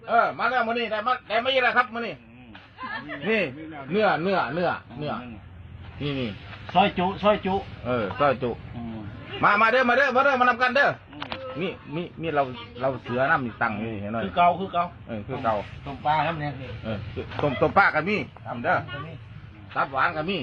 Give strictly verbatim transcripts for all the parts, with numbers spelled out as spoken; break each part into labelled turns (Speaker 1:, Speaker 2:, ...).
Speaker 1: เออมาแล้วมื้อนี้ได้มาได้มาอีกแล้วครับมื้อนี้นี่เนื้อเนื้อเนื้อเนื้อนี่นี่
Speaker 2: ซอยจุซอยจุ
Speaker 1: เออซอยจุมามาเด้อมาเด้อมาเด้อมานำกันเด้อมีมีมีเราเราเสือน้ำตั้งอยู่เห็นหน่อย
Speaker 2: คือเก่าคือเก่า
Speaker 1: เออคือเก่า
Speaker 2: ต้มปลาครับเนี่ย
Speaker 1: เออต้มต้มปลากันมีทำเด้อตับหวานกันมี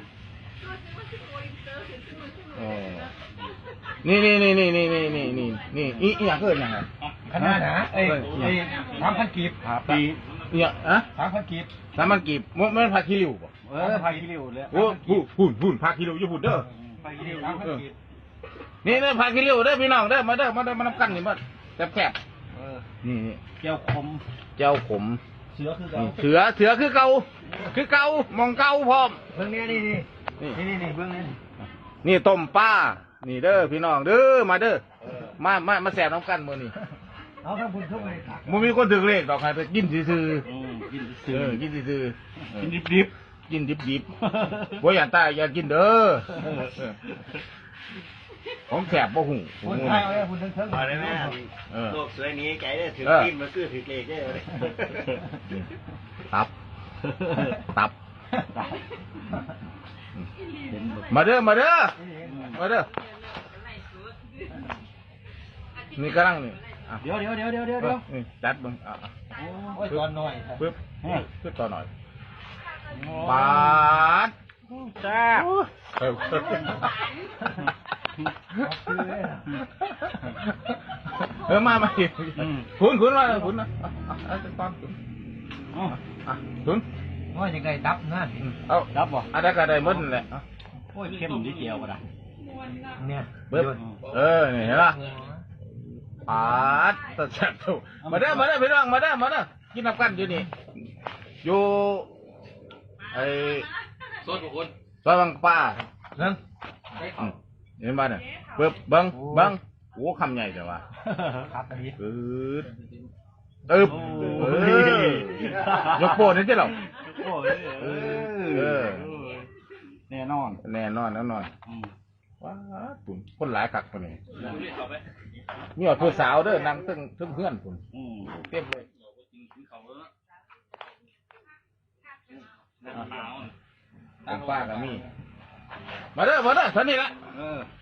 Speaker 1: โอ้นี่นี่นี่นี่นี่นี่นี่นี่นี่อีอีอย่างเกินอย่างไร
Speaker 2: ขนาดนะเอ้ยเอ้ยสามพันกีบปี
Speaker 1: เนี่ยอะ
Speaker 2: สามพันกีบ
Speaker 1: สามมันกีบมันมันผักขี้ริ้วป่ะ
Speaker 2: เออพายกิริวเลย
Speaker 1: โอ้หุ่นหุ่นหุ่นผักขี้ริ้วอยู่หุ่นเด้อ
Speaker 2: พายกิริวสามพันกีบ
Speaker 1: นี่นี่ผักขี้ริ้วเด้อพี่น้องเด้อมาเด้อมาเด้อมานำกันนี่มาแซ่บแซ่บ
Speaker 2: เออ
Speaker 1: นี่นี่
Speaker 2: เจียวคม
Speaker 1: เจ้าขม
Speaker 2: เสือคือเก่า
Speaker 1: เสือเสือคือเก่าคือเก่ามองเก่าพร้อม
Speaker 2: เบื้องนี้นี่นี่
Speaker 1: นี่
Speaker 2: นี่นี่เบื้องนี้
Speaker 1: นี่ต้มปลานี่เด้อพี่น้องเด้อมาเด้อมามามาแซ่บน้ำกันมื้อนี้
Speaker 2: เอาทั้งบุญทุกเลย
Speaker 1: บ่มีคนถึงเลขดอกใครไปกินซื่อ
Speaker 2: กิน
Speaker 1: ๆ
Speaker 2: เสื
Speaker 1: เอ
Speaker 2: อ
Speaker 1: อกินซื่อ
Speaker 2: กินดิบ
Speaker 1: ๆกินดิบๆบ่อย่าตายอย่ากินเด้อผมแสบบ่หู
Speaker 2: ๆคุณไทยเอาเลยคุณทั้งทั้ง
Speaker 3: เอาได้ไหม
Speaker 1: เออ
Speaker 3: โลกสวยนี้ใจได้ถือกินมาคือถือเลขได้เลย
Speaker 1: ตับ ตับ มาเด้อ มาเด้อ มาเด้อ นี่กำลังนี่อ่ะ
Speaker 2: เดี๋ยวเดี๋ยวเดี๋ยวเดี๋ยวเดี๋ยวเดี๋ยว
Speaker 1: นี่จัดเบิ่งอ่ะอ่ะ
Speaker 2: โอ้ยตอนหน่อย
Speaker 1: ปึ๊บปึ๊บต่อหน่อยปาด
Speaker 2: แซ่บ
Speaker 1: เออเออมามาอีกคุณคุณมาคุณนะอ่ะอ่ะอ่ะตอนคุณอ่ะคุณ
Speaker 2: โอ้ยยังไงดับนะ
Speaker 1: เอา
Speaker 2: ดับบ่
Speaker 1: อะไรก็ได้หมดนั่นแหละอ่ะ
Speaker 2: โอ้ยเข้มนิดเดียวก็ได้เนี่ย
Speaker 1: ปึ๊บเออนี่เห็นป่ะปาดตัดแสบถูกมาเด้อมาเด้อพี่น้องมาเด้อมาเด้อกินน้ำกันอยู่นี่อยู่ไอ้
Speaker 3: โซนของคน
Speaker 1: ซอยบางป้า
Speaker 2: เรื่อง
Speaker 1: อืมเห็นป่ะเนี่ยปึ๊บเบังเบังโอ้คำใหญ่แต่ว่า
Speaker 2: ครับอันนี้
Speaker 1: ปึ๊บตึ๊บเออยกโปนนี่ใช่หรอ
Speaker 2: โอ้ยเออแน่นอน
Speaker 1: แน่นอนแน่นอนว้าปุ่นคนหลายกักปุ่นนี่มีอดผู้สาวเด้อนั่งตึ้งทึ่งเพื่อนปุ่นเต็มเลยตั้งป้ากับมีมาเด้อมาเด้อท่านี้ละ